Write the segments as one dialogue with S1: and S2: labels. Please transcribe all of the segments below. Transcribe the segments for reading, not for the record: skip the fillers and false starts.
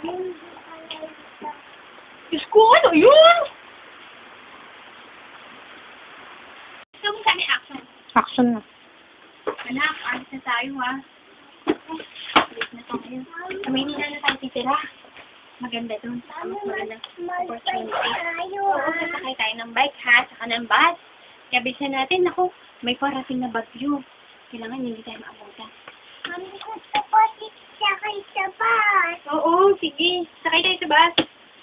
S1: Diyos ko, ano yun?
S2: Gusto mo kami action?
S1: Action na.
S2: Anak, alis na tayo ha. Alis na tayo. Sa Maynila na tayo titira. Maganda dun. Magandang opportunity. Oo, sasakay tayo ng bike ha, saka ng bus. Kaya bilisan natin, ako, may parating na bagyo. Kailangan hindi tayo maabutan.
S3: Mami, gusto ko sakay sa bus.
S2: Oo, sige. Sakay tayo sa bus.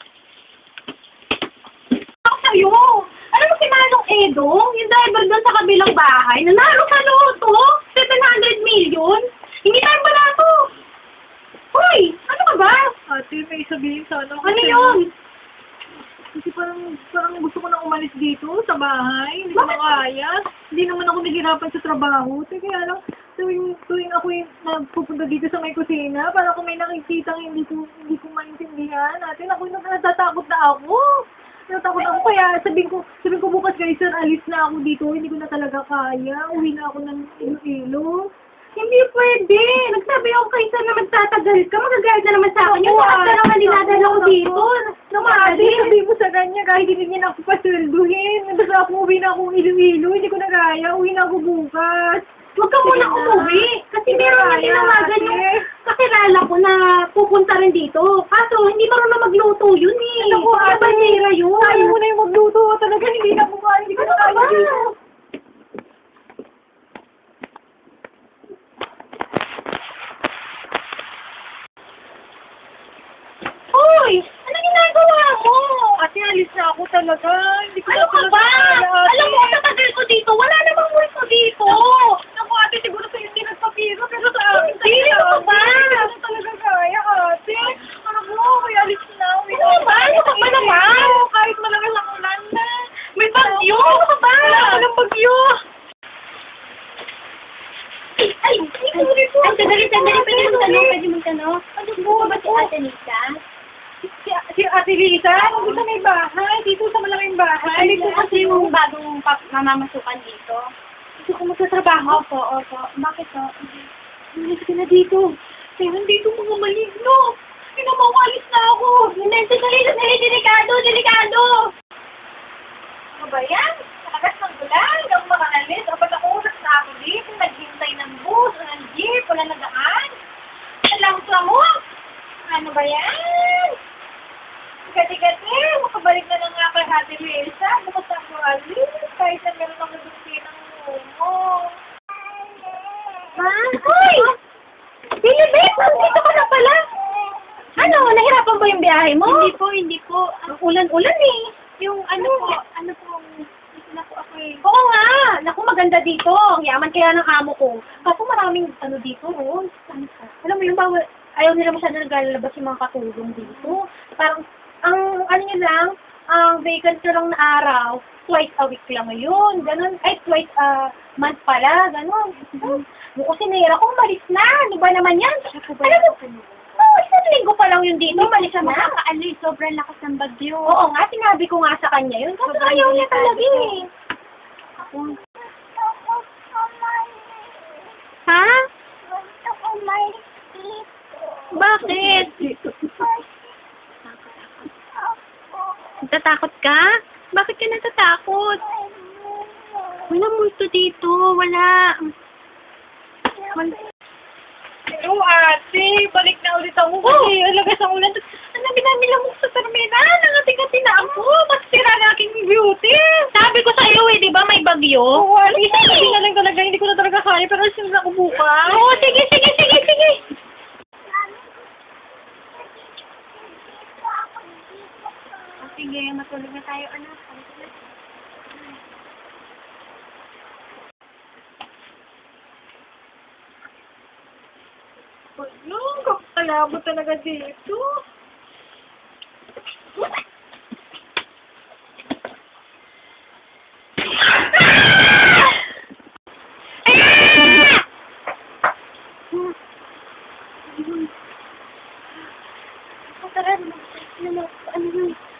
S1: Ako sa'yo! Alam mo si Manong Edong, yung driver doon sa kabilang bahay, nanalo sa loto, 700 million. Hindi tayo wala to. Hoy! Ano ka ba?
S4: Ate, may sabihin sana.
S1: Ano yun?
S4: Kasi parang gusto ko na umalis dito sa bahay. Hindi ko
S1: Bakit?
S4: makaya. Hindi naman ako nahihirapan sa trabaho. Kaya lang, tuwing ako yung nagpupunta dito sa may kusina, para kung may nakikita hindi ko maintindihan. Ate, ako natatakot na ako. Natatakot ako. Kaya sabihin ko bukas guys, sir, alis na ako dito. Hindi ko na talaga kaya. Uwi na ako ng Iloilo.
S1: Hindi pwede. Nagsabi ako kay sir na magtatagal ka. Magagalit na naman sa akin. Yung
S4: Oo,
S1: bakit naman dinadala ko dito.
S4: Ate,
S1: Namali.
S4: sabihin mo sa kanya kahit hindi niya na ako pasweldohin. Basta ako uwi na akong Iloilo. Hindi ko na kaya. Uwi na ako bukas.
S1: Huwag ka muna umuwi. Kasi meron na tinawagan yung kakilala ko na pupunta rin dito. Kaso, hindi marunong magluto yun eh.
S4: Naku, ate,
S1: Banira yun.
S4: Ayaw mo na yung magluto. Talaga hindi na ako kaya. Hindi ko na
S1: Ano ka
S4: kaya
S1: ba?
S4: dito.
S1: Hoy! Ano ginagawa mo?
S4: Ate, alis na ako talaga. Hindi ko
S1: Ano
S4: na
S1: ka
S4: talaga
S1: ba?
S4: kaya, ate.
S1: Alam mo, sa tagal ko dito, wala namang multo dito.
S4: Naku, ate, siguro sa'yo hindi nagpapiro. Pero sa akin,
S1: Hindi, ano ka ba?
S4: Hindi ko na talaga kaya, ate. Ano mo? Kaya alis na.
S1: Ano ba? Ano ka ba naman?
S4: Kahit malakas ang ulan na.
S1: May bagyo! Ano ka ba?
S4: Wala ka ng bagyo.
S1: Ay, sorry po.
S2: Ay, sandali. Pwede mong tanong. Ano po ba si Ate Lisa?
S4: Si Ate Lisa, nandito sa may bahay. Dito sa malaking bahay.
S2: Ano po kasi yung bagong mamamasukan dito?
S4: Gusto ko magtatrabaho.
S2: Opo. Bakit po?
S4: Umalis ka na dito. Kaya nandito mga maligno. Pinamawalis na ako.
S2: Sandali. Delikado!
S4: Ano ba yan? Nakagas ng gulan. Hindi ako makaalis. Dapat ako uras na ako dito. Naghintay ng bus, ng jeep, wala na daan. Alam mo. Ano ba yan? Gati-gati. Makabalik na lang nga kay Ate Lisa. Bukas ako alis. Kahit na meron ako dugti ng umo.
S1: Ma? Hoy! Bilibit! Nandito ka na pala. Ano? Nahirapan ba yung biyahe mo?
S2: Hindi po.
S1: Ang ulan-ulan eh.
S2: Yung ano po, dito na po ako eh.
S1: Oo nga! Naku, maganda dito. Ang yaman kaya ng amo ko. Kaso maraming ano dito, oh. Alam mo yung bawal, ayaw nila masyado naglalabas yung mga katulong dito. Parang, ang ano nyo lang, ang vacant nyo lang na araw, twice a week lang ngayon. Ganon. Ay, twice a month pala. Ganon. Kasi nahira ko, malis na. Ano ba naman yan? Alam mo, isang linggo pa lang yun dito. Malis na.
S2: Nakakaalis, sobrang lakas ng bagyo.
S1: Oo nga, sinabi ko nga sa kanya yun. Kasi ayaw niya talaga eh.
S3: Gusto ko umalis.
S1: Ha?
S3: Gusto ko umalis dito.
S1: Bakit?
S3: Ako.
S1: Natatakot ka? Bakit ka natatakot? Wala multo dito. Wala.
S4: Hello, ate. Balik na ulit ako kasi alagas ang ulan. Ang lamok sa terminal. Nangati-ngati na ako. Mas sira na aking beauty.
S1: Sabi ko sa'yo eh, di ba may bagyo?
S4: Oo, ate. Hindi na lang talaga. Hindi ko na talaga kaya. Pero alis na ako bukas.
S1: Oo, sige.
S2: Sige, matulog na tayo, anak.
S4: Ano? Kapalabo talaga dito.
S2: Ano